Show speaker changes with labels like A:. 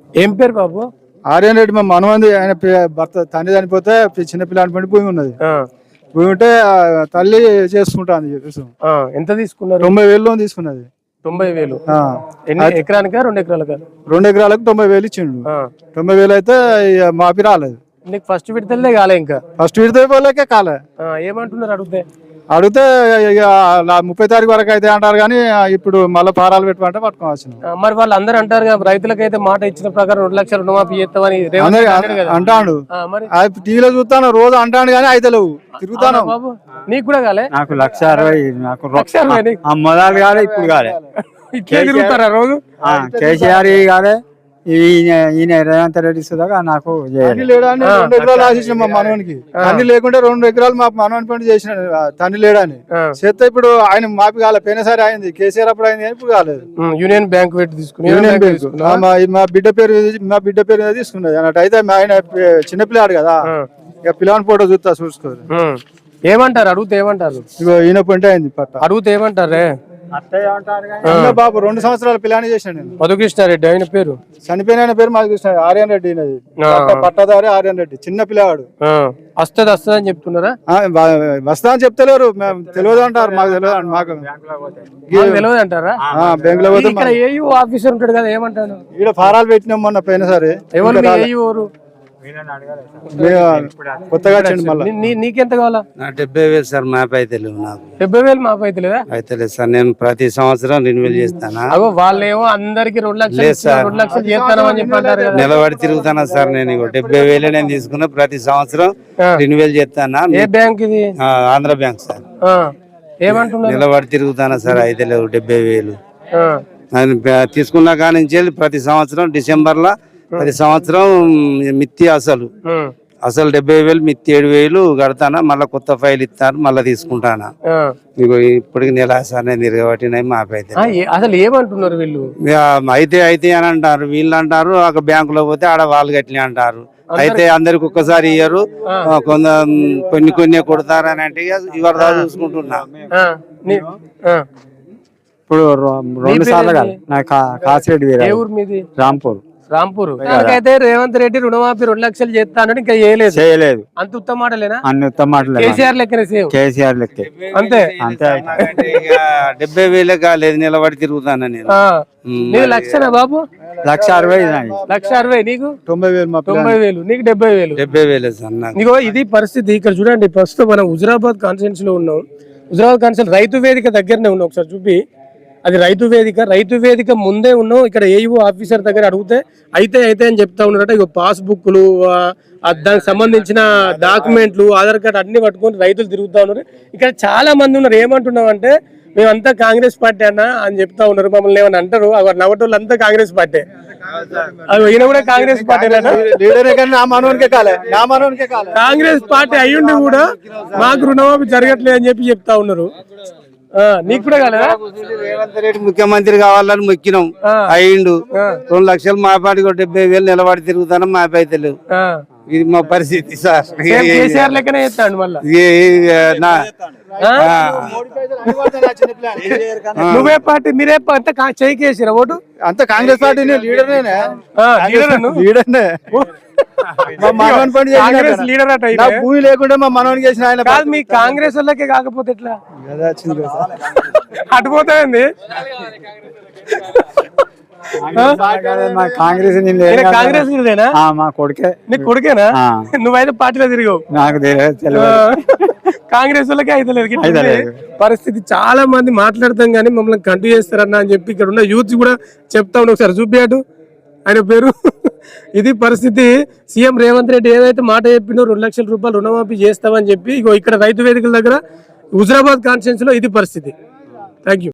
A: ఏం పేరు బాబు?
B: ఆర్యన్ రెడ్డి మా మనవంది. ఆయన భర్త తండ్రి చనిపోతే చిన్నపిల్లని పడి భూమి ఉన్నది. భూమి ఉంటే తల్లి చేసుకుంటాను.
A: ఎంత తీసుకున్నారు?
B: 90,000 లోన్ తీసుకున్నది.
A: 90,000 ఎకరానికా 2 ఎకరాలకా?
B: 2 ఎకరాలకు 90,000 ఇచ్చిండు. 90,000 అయితే మాపి రాలేదు.
A: నీకు ఫస్ట్ విడతలే కాలే? ఇంకా
B: ఫస్ట్ విడత పోలేకే కాలే.
A: ఏమంటున్నారు అడిగితే?
B: 30 తారీఖు వరకు అయితే అంటారు కానీ ఇప్పుడు మళ్ళీ ఫారాలు పెట్టమంటే పట్టుకోవాల్సిన.
A: మరి వాళ్ళు అందరూ అంటారు కదా, రైతులకైతే మాట ఇచ్చిన ప్రకారం 2 లక్షలు రుణమాఫీ చేస్తామని
B: అంటాడు. టీవీలో చూస్తాను రోజు అంటాడు కానీ అయితే లేవు. తిరుగుతాను.
A: బాబు నీకు కూడా కాలే?
C: నాకు 1,60,000. నాకు మొదలు కాలే, ఇప్పుడు కాలే.
A: ఇట్లా తిరుగుతారా రోజు?
C: కేసీఆర్ కాలే, ఈయన రేవంత్ రెడ్డి సుధాగా నాకు
B: తండ్రి లేడని 2 ఎకరాలు ఆశించిన మా మనవనికి. తండ్రి లేకుంటే 2 ఎకరాలు మా మనవని పని చేసిన తండ్రి లేడని చేస్తే ఇప్పుడు ఆయన మాపి కాలే. పోయినసారి అయింది, కేసీఆర్ అప్పుడు అయింది, ఇప్పుడు కాలేదు.
A: యూనియన్ బ్యాంక్ పెట్టి తీసుకుని
B: యూనియన్ బ్యాంక్ మా బిడ్డ పేరు తీసుకున్నది అన్నట్టు. అయితే ఆయన చిన్నపిల్లాడు కదా, ఇక పిల్లని ఫోటో చూసుకోరు.
A: ఏమంటారు అడిగితే? ఏమంటారు?
B: ఈయన పంట అయింది పట్ట
A: అడిగితే ఏమంటారే?
B: బాబు 2 సంవత్సరాలు పిల్లని చేసిన నేను.
A: మధుకృష్ణారెడ్డి ఆయన పేరు.
B: చనిపోయిన పేరు మధుకృష్ణ. ఆర్యన్ రెడ్డి పట్టదారి ఆర్యన్ రెడ్డి. చిన్న పిల్లవాడు.
A: వస్తుంది అని చెప్తున్నారా?
B: వస్తా అని చెప్తలేరు. మేము తెలియదు అంటారు. మాకు తెలియదు. మాకు
A: తెలియదు అంటారా?
B: బ్యాంక్ లో
A: ఇక్కడ ఏయూ ఆఫీసర్ ఉంటాడు కదా, ఏమంటాను?
B: ఇక్కడ ఫారాలు పెట్టినాం మొన్న పోయినసారి.
A: ఎవరు
B: కొత్తగా
A: నీకెంత కావాలా?
D: 70,000 సార్. మ్యాప్ అయితే లేవు నాకు.
A: 70,000 మ్యాప్ అయితే లేదా?
D: అయితే లేదు సార్. నేను ప్రతి సంవత్సరం రిన్యూవల్ చేస్తానా?
A: వాళ్ళేమో అందరికి 2 లక్షలు చేస్తానని చెప్పి అంటారు కదా.
D: నిలబడి తిరుగుతానా సార్ నేను? 70,000 నేను తీసుకున్నా. ప్రతి సంవత్సరం రిన్యూవల్ చేస్తానా.
A: ఏ బ్యాంక్ ఇది?
D: Andhra Bank sir.
A: ఏమంటున్నారు?
D: నిలబడి తిరుగుతానా సార్? అయితే లేవు 70,000. తీసుకున్నా కానీ ప్రతి సంవత్సరం డిసెంబర్ లో ప్రతి సంవత్సరం మిత్తి అసలు 70,000 మిత్తి 7,000 కడతానా. మళ్ళీ కొత్త ఫైల్ ఇస్తాను, మళ్ళీ తీసుకుంటానా. ఇప్పటికి నెల సార్ నేను తిరగబట్టినాయి మాపైతే.
A: అసలు ఏమంటున్నారు వీళ్ళు?
D: అయితే అని అంటారు. వీళ్ళు అంటారు ఒక బ్యాంకులో పోతే ఆడ వాళ్ళు గట్లే అంటారు. అయితే అందరికి ఒక్కసారి ఇయ్యరు, కొన్ని కొడతారని అంటే ఇవాళ చూసుకుంటున్నా.
C: ఇప్పుడు 2 సార్లు కాదు. నాకు కాసిరెడ్డి రాంపూర్.
A: అయితే రేవంత్ రెడ్డి రుణమాఫీ 2 లక్షలు చేస్తానని ఇంకా చేయలేదు. అంత ఉత్తమ మాటలేనా?
C: అన్ని ఉత్తమ మాటలే.
A: కేసీఆర్ లెక్కనే, కేసీఆర్
C: లెక్కే.
A: అంతే.
D: 70,000 కాలేదు, నిలబడి తిరుగుతాను నేను.
A: నీకు 1,00,000 బాబు?
C: 1,60,000.
A: 1,60,000 నీకు?
B: 90,000
A: నీకు 70,000.
D: 70,000 సార్.
A: నీకు ఇది పరిస్థితి. ఇక్కడ చూడండి, ప్రస్తుతం మనం హుజురాబాద్ కాన్స్టిట్యున్సీ లో ఉన్నాం. హుజురాబాద్ కాన్స్టిట్యున్సీ రైతు వేదిక దగ్గరనే ఉన్నాం. ఒకసారి చూపి. అది రైతు వేదిక ముందే ఉన్నాం. ఇక్కడ ఏఈఓ ఆఫీసర్ దగ్గర అడిగితే అయితే అని చెప్తా ఉన్నారట. ఇక పాస్బుక్లు, దానికి సంబంధించిన డాక్యుమెంట్లు, ఆధార్ కార్డు అన్ని పట్టుకొని రైతులు తిరుగుతా ఉన్నారు. ఇక్కడ చాలా మంది ఉన్నారు. ఏమంటున్నాం అంటే, మేమంతా కాంగ్రెస్ పార్టీ అన్న అని చెప్తా ఉన్నారు. మమ్మల్ని ఏమని అంటారు, నవ్వటోళ్ళు అంతా కాంగ్రెస్ పార్టీ. ఈయన కూడా కాంగ్రెస్ పార్టీ. కాంగ్రెస్ పార్టీ అయ్యుండి కూడా మాకు రుణమాఫీ జరగట్లేదు అని చెప్పి చెప్తా ఉన్నారు. నీకు కూడా కాలేదా?
D: రేవంత్ రెడ్డి ముఖ్యమంత్రి కావాలని మొక్కినాం, అయ్యిండు. 2 లక్షలు మా పాటికి 70,000 నిలబడి తిరుగుతాను. మాపి అయితే లేవు. ఇది మా పరిస్థితి సార్.
A: కేసీఆర్ లెక్కనే చేస్తాడు మళ్ళీ. నువ్వే పార్టీ, మీరే అంత చేయి కేసీరా ఓటు?
B: అంత కాంగ్రెస్ పార్టీ లీడర్నే. భూమి లేకుండా మా మనవనికి చేసిన ఆయన
A: కాదు. మీ కాంగ్రెస్ వాళ్ళకే కాకపోతే ఎట్లా అటుపోతాయండి?
C: కాంగ్రెస్
A: మా కొడుకే. నీ కొడుకేనా? నువ్వైతే పార్టీలో తిరిగావు.
C: నాకు
A: కాంగ్రెస్ వాళ్ళకే అయితే లేదు పరిస్థితి. చాలా మంది మాట్లాడతాం కానీ మమ్మల్ని కంటిన్యూ చేస్తారన్న అని చెప్పి ఇక్కడ ఉన్న యూత్ కూడా చెప్తా ఉన్నా. ఒకసారి చూపియాడు ఆయన పేరు. ఇది పరిస్థితి. సీఎం రేవంత్ రెడ్డి ఏదైతే మాట చెప్పిండో 2 లక్షల రూపాయలు రుణమాఫీ చేస్తామని చెప్పి ఇక్కడ రైతు వేదికల దగ్గర హుజురాబాద్ కాన్స్టిట్యున్సీలో ఇది పరిస్థితి. Thank you.